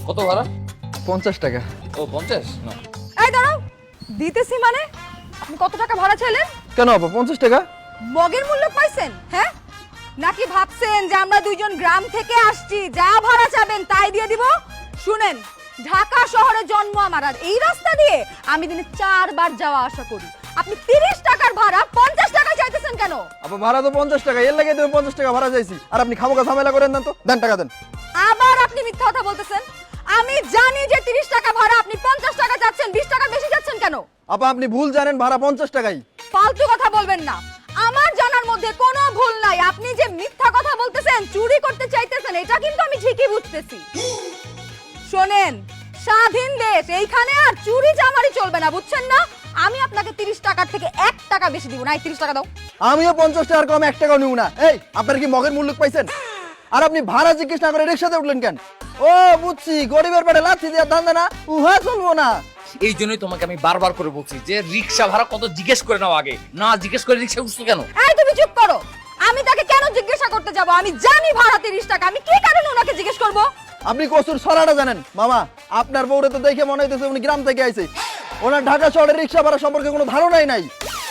কত ভাড়া? 50 টাকা। ও 50 না। এই দাঁড়াও, দিতেছি মানে আপনি কত টাকা ভাড়া চাইলেন? কেন আপা 50 টাকা? মগের মূল্য পাইছেন? হ্যাঁ, নাকি ভাবছেন যে আমরা দুইজন গ্রাম থেকে আসছি, যা ভাড়া চাবেন তাই দিয়ে দিব? শুনেন, ঢাকা শহরে জন্ম আমার, আর এই রাস্তা দিয়ে আমি দিনে 4 বার যাওয়া আসা করি। আপনি 30 টাকার ভাড়া 50 টাকা চাইতেছেন কেন? আপা ভাড়া তো 50 টাকা, এর লাগে তুমি 50 টাকা ভাড়া চাইছি। আর আপনি খামোখা ঝামেলা করেন না তো, দেন টাকা দেন। আবার আপনি মিথ্যা কথা বলতেছেন। আমি জানি যে 30 টাকা ভাড়া, আপনি 50 টাকা চাচ্ছেন। 20 টাকা বেশি চাচ্ছেন কেন? আপা আপনি ভুল জানেন, ভাড়া 50 টাকাই। ফালতু কথা বলবেন না, আমার জানার মধ্যে কোনো ভুল নাই। আপনি যে মিথ্যা কথা বলতেছেন, চুরি করতে চাইতেছেন, এটা কিন্তু আমি ঠিকই বুঝতেছি। শোনেন, স্বাধীন দেশ, এইখানে আর চুরি চামারি চলবে না, বুঝছেন না? আমি আপনাকে 30 টাকার থেকে 1 টাকা বেশি দিব না। এই 30 টাকা দাও। আমিও 50 টাকার কম 1 টাকাও নিব না। এই আপনার কি মগের মূল্য পাইছেন? আর আপনি ভাড়া জিজ্ঞেস না করে রিকশাতে উঠলেন কেন? ও বুঝছি, গরিবের পেটে লাথি দিয়ে ধান্দা না, উহা চলবো না। এই জন্যই তোমাকে আমি বারবার করে বলছি যে রিক্সা ভাড়া কত জিজ্ঞেস করে নাও আগে। না জিজ্ঞেস করে রিক্সা উঠছো কেন? এই তুমি চুপ করো। আমি তাকে কেন জিজ্ঞাসা করতে যাব? আমি জানি ভাড়া 30 টাকা। আমি কি কারণে ওনাকে জিজ্ঞেস করব? আপনি কসুর ছড়াটা জানেন মামা? আপনার বউরে তো দেখে মনে হইতেছে উনি গ্রাম থেকে আইছে। ওনার ঢাকা শহরের রিক্সা ভাড়া সম্পর্কে কোনো ধারণাই নাই।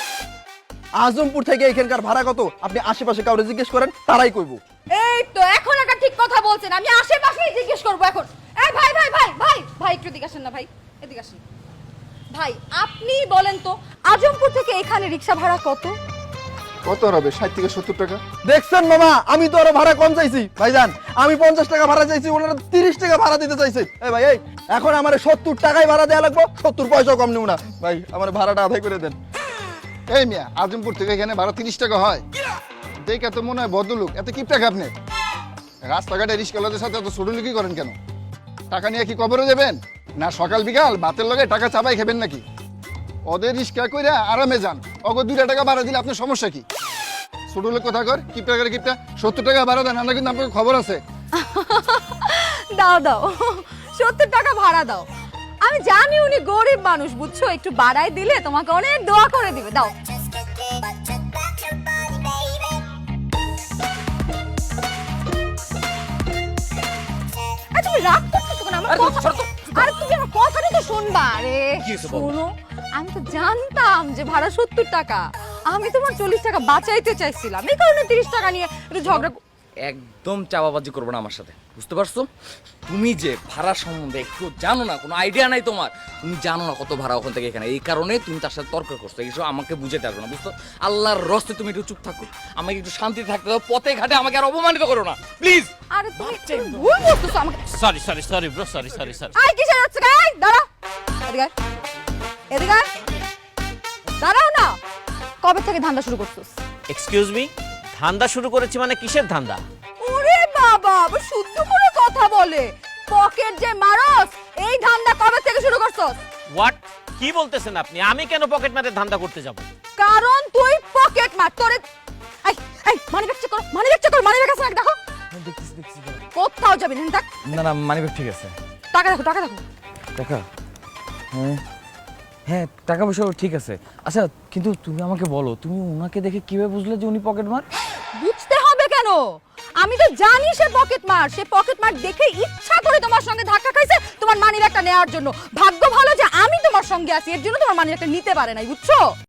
আজমপুর থেকে এখানকার ভাড়া কত আপনি আশেপাশে কাউরে জিজ্ঞেস করেন, তারাই কইবো। এই তো এখন একটা ঠিক কথা বলছেন। আমি আশেপাশেই জিজ্ঞেস করব এখন। এই ভাই ভাই ভাই ভাই ভাই, একটু এদিকে আসেন না ভাই, এদিকে আসেন। ভাই আপনি বলেন তো, আজমপুর থেকে এখানে রিক্সা ভাড়া কত? কত হবে? 60 থেকে 70 টাকা। দেখছেন মামা, আমি তো আরো ভাড়া কম চাইছি। ভাইজান আমি 50 টাকা ভাড়া চাইছি, ওনারা 30 টাকা ভাড়া দিতে চাইছে। এই ভাই এই এখন আমার 70 টাকাই ভাড়া দেয়া লাগবে, 70 পয়সাও কম নিব না। ভাই আমার ভাড়াটা আদায় করে দেন। এই মিয়া, আজমপুর থেকে এখানে ভাড়া 30 টাকা হয়? দেখে তো মনে হয় ভদ্রলোক। এত কি টাকা আপনি? রাস্তাঘাটে রিস্কাওয়ালাদের সাথে এত ছোটলুকি করেন কেন? টাকা নিয়ে কি কবরে দেবেন? না সকাল বিকাল ভাতের লগে টাকা চাপাই খাবেন নাকি? ওদের রিস্কা কইরা আরামে যান। অগো 2 টাকা ভাড়া দিলে আপনার সমস্যা কি? ছোটলোক কথা কর, কিপটা করে কিপটা। 70 টাকা ভাড়া দেন, আমরা কিন্তু আপনার খবর আছে। দাও দাও, 70 টাকা ভাড়া দাও। আমি জানি উনি গরিব মানুষ, বুঝছো? একটু বাড়াই দিলে তোমাকে অনেক দোয়া করে দিবে। দাও। এই তুমি রাগ করতেছো কেন? আমার আরে কথা, ছাড়ো তো। আরে তুমি আমার কথাটা তো শুনবা। আরে কি হয়েছে বলো? শোনো, আমি তো জানতাম যে ভাড়া 70 টাকা। আমি তোমার 40 টাকা বাঁচাইতে চাইছিলাম, এই কারণে 30 টাকা নিয়ে একটু ঝগড়া। একদম চাপাবাজি করবে না আমার সাথে, বুঝতে পারছো? তুমি যে ভাড়া সম্বন্ধে একটু জানো না, কোনো আইডিয়া নাই তোমার। তুমি জানো না কত ভাড়া ওখান থেকে এখানে, এই কারণে তুমি তার সাথে তর্ক করছো। এইসব আমাকে বুঝাতে আসবে না, বুঝতো? আল্লাহর রস্তে তুমি একটু চুপ থাকো, আমাকে একটু শান্তিতে থাকতে দাও। পথে ঘাটে আমাকে আর অপমানিত করো না প্লিজ। আরে তুমি ভুল বুঝতেছো আমাকে। Sorry bro, sorry. আই কিসের হচ্ছে গাই? দাঁড়া, এদিকে আয়। এদিকে আয়। দাঁড়াও না। কবে থেকে ধান্দা শুরু করছিস? এক্সকিউজ মি, ধান্দা শুরু করেছি মানে কিসের ধান্দা? ওরে বাবা, আবার শুদ্ধ করে কথা বলে। পকেট যে মারস, এই ধান্দা কবে থেকে শুরু করছস? হোয়াট? কি বলতেছেন আপনি? আমি কেন পকেট মারের ধান্দা করতে যাব? কারণ তুই পকেট মার। তোরে এই এই মানিব্যাগ চেক কর, মানিব্যাগ চেক কর, মানিব্যাগ আছে নাকি দেখো। দেখতেছি। কোথাও যাবি না, থাক। না না মানিব্যাগ ঠিক আছে। টাকা দেখো, টাকা দেখো। টাকা? হ্যাঁ হ্যাঁ, টাকা পয়সা ঠিক আছে। আচ্ছা কিন্তু তুমি আমাকে বলো, তুমি ওনাকে দেখে কিভাবে বুঝলে যে উনি পকেট মার? বুঝতে হবে কেন? আমি তো জানি সে পকেট মার। সে পকেট মার দেখে ইচ্ছা করে তোমার সঙ্গে ধাক্কা খাইছে তোমার মানিব্যাগটা নেওয়ার জন্য। ভাগ্য ভালো যে আমি তোমার সঙ্গে আছি, এর জন্য তোমার মানিব্যাগটা নিতে পারে নাই, বুঝছো?